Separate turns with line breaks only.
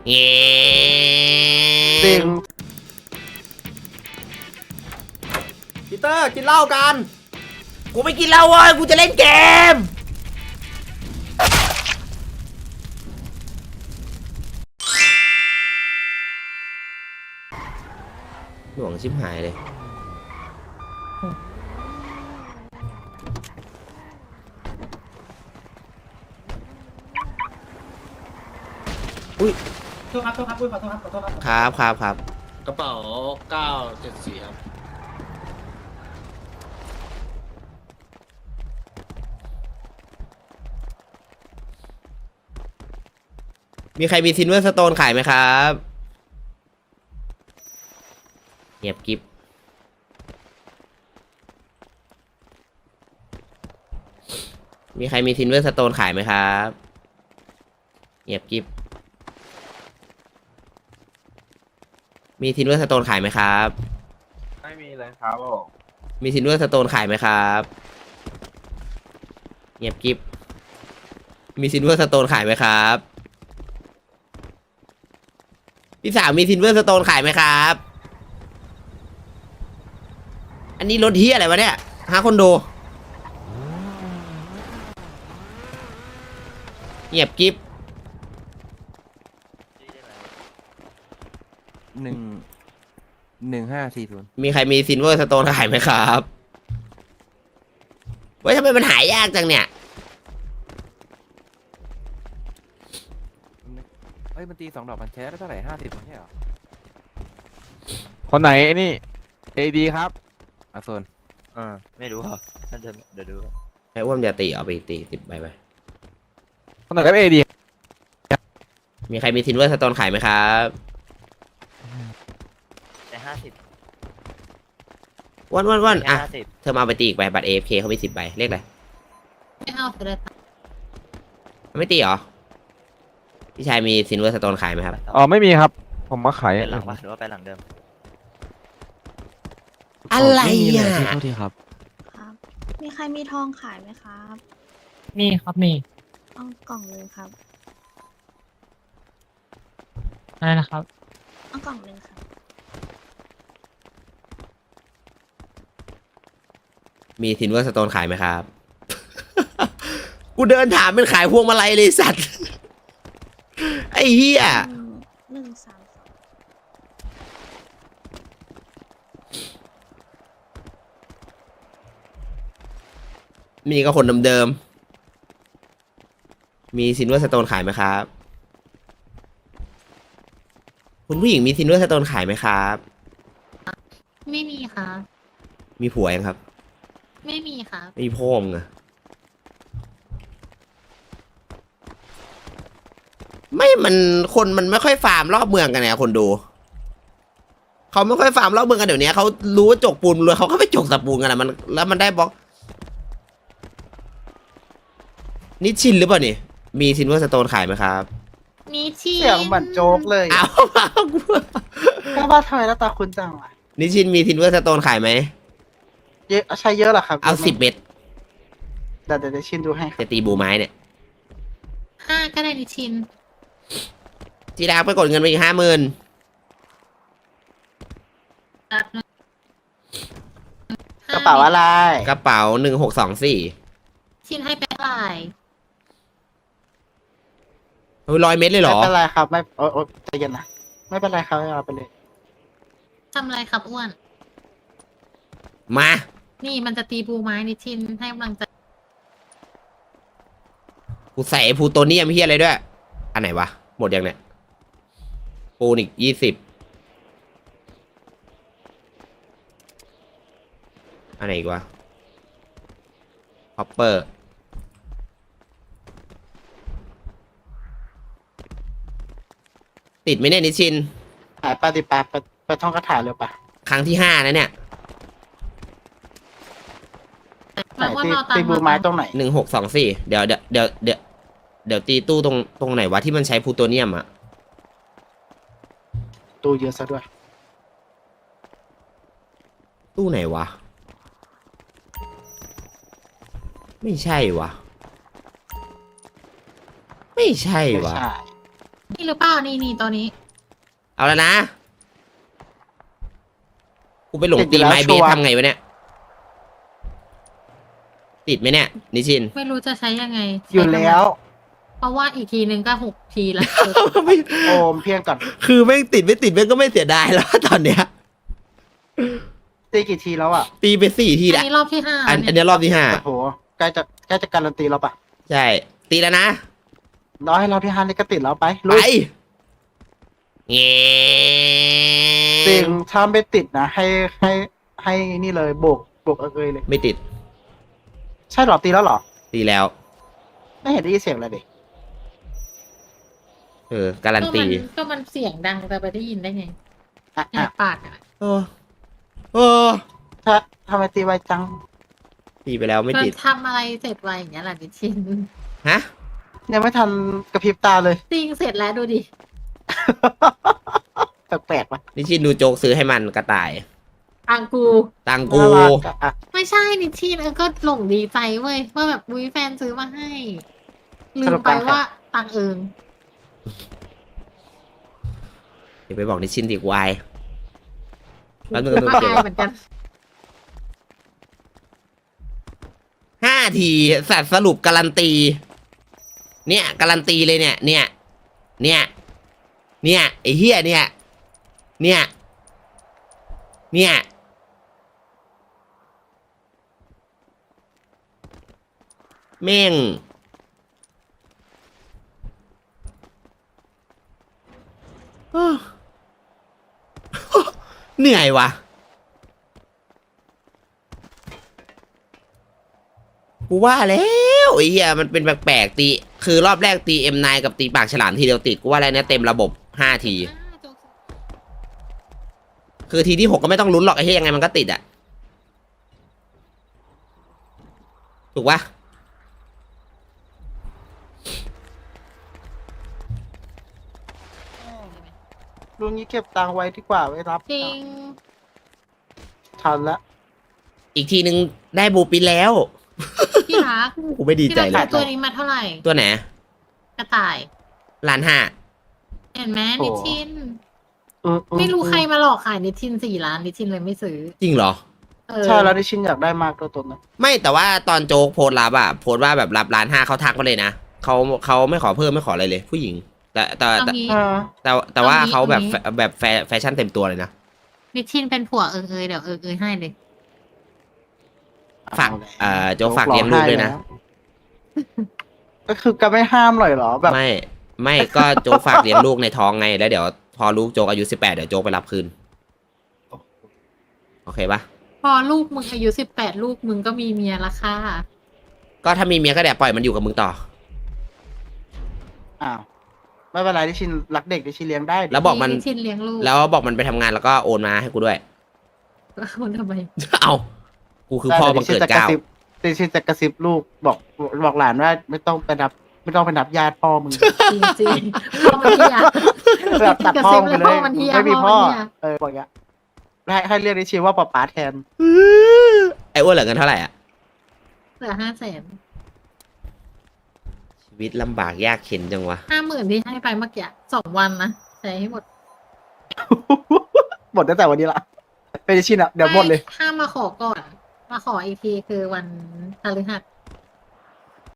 เงี้
จริง
พีเตอร์กินเหล้ากัน
กูไม่กินเหล้าเว้ยกูจะเล่นเกมหน่วงชิบหายเลยอุ้ย
โทษครับโทษครับขอโทษครับขอโทษครับ
ครับ
กระเป๋า974ครับ
มีใครมีซินเวอร์สโตนขายไหมครับเงียบกิฟมีใครมีซินเวอร์สโตนขายไหมครับเงียบกิฟมีซินเวอร์สโตนขายไหมครับ
ไม่มีเลยครับผม
มีซินเวอร์สโตนขายไหมครับเงียบกิฟมีซินเวอร์สโตนขายไหมครับพี่สาวมีซินเวอร์สโตนขายไหมครับอันนี้รถเฮียอะไรวะเนี่ยหาคนดูเงียบกิฟ
1540
มีใครมีซินเวอร์สโตนขายไหมครับเว้ยทำไมมันหายากจังเนี่ย
เฮ้ยมันตี2 ดอกมันแชร์ได้เท่าไหร่50ไม่ใช่เหรอ
คนไหนไอ้นี่ AD ครับ
โซน
ไม่รู้ครับน่าจะเดี๋ยวดู
ไอ้อ้วนจะตีเอาไปตี10 ใบไป
คนไหนครับ AD
มีใครมีซินเวอร์สโตนขายไหมครับ
แต่50
อ้วนอ่ะ
50
เธอมาเอาไปตีอีกใบบัตร AFK เขามี10 ใบเลขอะไร
ไม่เอาไปเลย
ไม่ตีเหรอพี่ชายมีซินเวอร์สโตนขายไหมครับ
อ๋อไม่มีครับ ผมมาขาย
ไปหลังปะหรือว่าไปหลังเดิม
อะไร
ไม่มีเลย
อ่ะ
พี่โทษทีครับ
ครับ มีใครมีทองขายไหมครับ
มีครับมี
เอากล่องเลยครับ
อะไรนะครับ
เอากล่องเลยครับ
มีซินเวอร์สโตนขายไหมครับ กูเดินถามเป็นขายพวงมาลัยเลยสัตว์ ไอ้เหี้ย
132
มีก็คนเดิมๆมีซินเวอร์สโตนขายไหมครับ คุณผู้หญิงมีซินเวอร์สโตนขายไหมครับ
ไม่มีครับ
มีผัวยังครับ
ไม่มีครับ
ไม่มีพ่อมึงอะไม่มันคนมันไม่ค่อยฟาร์มรอบเมืองกันเนี่ยคนดูเขาไม่ค่อยฟาร์มรอบเมืองกันเดี๋ยวนี้เขารู้ว่าจกปูนเลยเขาก็ไปจกตะปูนกันอะมันแล้วมันได้บล็อกนี่ชินหรือเปล่านี่มีซินเวอร์สโตนขายไหมครับ
มีที่
เสียงเหมือนโจ๊กเลย
เอา
แค่ว่าทำไมหน้าตาคุณจังวะ
นี่ชินมีซินเวอร์สโตนขายไหม
เยอะใช้เยอะเหรอครับ
เอา10 เม็ด
เดี๋ยวชินดูให้ครับ
จะตีบูไม้เนี่ย
5ก็ได้นิชิน
ทีแรกไปกดเงินไปอีก50,000
กระเป๋าอะไร
กระเป๋า1624
ชินให้ไปเท่าไหร่
เฮ้ย100 เม็ดเลยเหร
ไม่
อ
เป็นไรครับไม่โอ๊ยใจเย็นนะไม่เป็นไรครับเอาไปเลย
ทำอะไรครับอ้วน
มา
นี่มันจะตีบูไม้นิชินให้กำลังใจ
กูใส่ไอ้พลูโตเนียมเฮียอะไรด้วย อันไหนวะ หมดยังเนี่ยปูนอีก20อันไหนอีกวะฮอปเปอร์ติดไหมเนี่ยนิชิน
หายไปดิไปท่องคาถาเร็วปะ
ครั้งที่5นะเนี่ย
ไหนตีบูไม้ตรงไหน
1624เดี๋ยวตีตู้ตรงไหนวะที่มันใช้พลูโตเนียมอะ
ตู้เยอะซะด้วย
ตู้ไหนวะ ไม่ใช่วะ ไม่ใช่
ไม่
วะ
ใช่
นี่หรือเปล่านี่ตัวนี้
เอาแล้วนะ กูไปหลงตีไม้เบสทำไงวะเนี่ย ติดไหมเนี่ย นิชิน
ไม่รู้จะใช้ยังไง
อยู่แล้ว
เพราะว่าอีกทีนึงก็6 ทีแล้ว
โอมเพียงก่อน
คือแม่งติดไม่ติดแม่งก็ไม่เสียดายแล้วตอนเนี้ย
ตีกี่ทีแล้วอ่ะ
ตีไป4 ที
อัน
ละ
นี้รอบที่ห้า
อัน
เนี่ย
เนี้ยรอบที่
โอ้โหใกล้จะการันตีแล้วปะ
5 ใช่ ตีแล้วนะ
น้อยให้เราที่5นี่ก็ติดแล้วไป
ไป
ลุย
เงี้
จริงถ้าไม่ติดนะให้นี่เลยโบกเลยเลย
ไม่ติด
ใช่เหรอตีแล้วเหรอ
ตีแล้ว
ไม่เห็นได้ยินเสียงเลยดิ
การันตี
ก็มันเสียงดังแต่ไปได้ยินได้ไง
อ่ะ
แอบปากอ่ะ
โอ้โอ้
ถ้าทำไมตีไวจัง
ตีไปแล้วไม่
มัน
ติด
ทำอะไรเสร็จไวอย่างเงี้ยแหละนิชิน
ฮะ
ยังไม่ทันกระพริบตาเลย
จริงเสร็จแล้วดูดิ
แปลกๆปะ
นิชินดูโจ๊กซื้อให้มันกระต่าย
อังกู
ตังกู
น่ารักอ่ะ
ไม่ใช่นิชินก็หลงดีใจเว้ยว่าแบบมุ้ยแฟนซื้อมาให้ ลืมไปว่าตังเอิง
เดี๋ยวไปบอกนิชินดีกวายแล้วนึง
ก็
ดู
อาย
เก็บ
เหมือนกัน
5 ทีสัตว์สรุปการันตี เนี่ยการันตีเลยเนี่ยไอ้เหี้ยเนี่ยแม่ง เหนื่อยว่ะ กูว่าแล้วไอ้เหี้ยมันเป็นแปลกๆตี คือรอบแรกตี M9 กับตีปากฉลามทีเดียวติด กูว่าแล้วเนี่ยเต็มระบบ 5 ที คือทีที่ 6 ก็ไม่ต้องลุ้นหรอกไอ้เหี้ยยังไงมันก็ติดอ่ะ ถูกปะ
ลุงนี้เก็บตังค์ไว้ดีกว่าไว้รับ
จริง
ทันละ
อีกทีนึงได้บูปินแล้ว
พี่รัก
กูไม่ดี
พี่
ใจ
รัก
เล
ซื้
ย
อตัวนี้มาเท่าไหร่
ตัวไหน
กระต่าย
1,500,000
เห็นไหมนิชิน
อื
ไม่รู้ใครมาหลอกขายนิชิน4 ล้านนิชินเลยไม่ซื้อ
จริงเหรอ
ใช่แล้วดิชินอยากได้มากตัวนั้น
ไม่แต่ว่าตอนโจ๊กโพสต์รับอะโพสต์ว่าแบบรับ1,500,000เขาทักมาเลยนะเขาไม่ขอเพิ่มไม่ขออะไรเลย ผู้หญิง แต่
เอางี้
แต่ว่า
เอางี้
เขาแบบ
เอางี้
แบบแฟชั่นเต็มตัวเลยนะ
นิชินเป็นผัวเอยเดี๋ยวเอยให้เลย
ฝากโจ๊กฝากเลี้ยงลูกด้วยนะ
ก็คือก็ไม่ห้ามเลยเหรอแบบ
ไม่ก็โจ๊กฝากเลี้ยงลูกในท้องไงแล้วเดี๋ยวพอลูกโจ๊กอายุ18เดี๋ยวโจ๊กไปรับคืนโอเคปะ
พอลูกมึงอายุ18ลูกมึงก็มีเมียละค่ะ
ก็ถ้ามีเมียก็เดี๋ยวปล่อยมันอยู่กับมึงต่อ
อ้าวไม่เป็นไรดิชินรักเด็กดิชินเลี้ยงได้
แล้วบอกมัน
นิชินเลี้ยงลูก
แล้วบอกมันไปทำงานแล้วก็โอนมาให้กูด้วย
คนทำไม
เอากูคือพ่อบังเกิดเกล้า
ดิชินจะกระซิบลูกบอกหลานว่าไม่ต้องไปนับญาติพ่อมึง
จริงจริงๆพ่อมันเฮีย
แบบตัดพ่อมึงไปเลย
พ่อมันเหี้ย
ไม่มีพ่อ
พ่อมันเหี้ย
บอกอย่างเงี้ยให้เรียกดิชินว่าป๊าแทน
ไอ้อ้วนเหลือเงินเท่าไหร่อ่ะ
เหลือ500,000
ชีวิตลำบากยากเข็นจังวะ
50,000ที่ให้ไปเมื่อกี้2 วันนะใช้ให้หมด
หมดตั้งแต่วันนี้ละเป็นดิชินอ่ะเดี๋ยวหมดเลย
ห้ามมาขอก่อน มาขออีกทีคือวันพฤหัส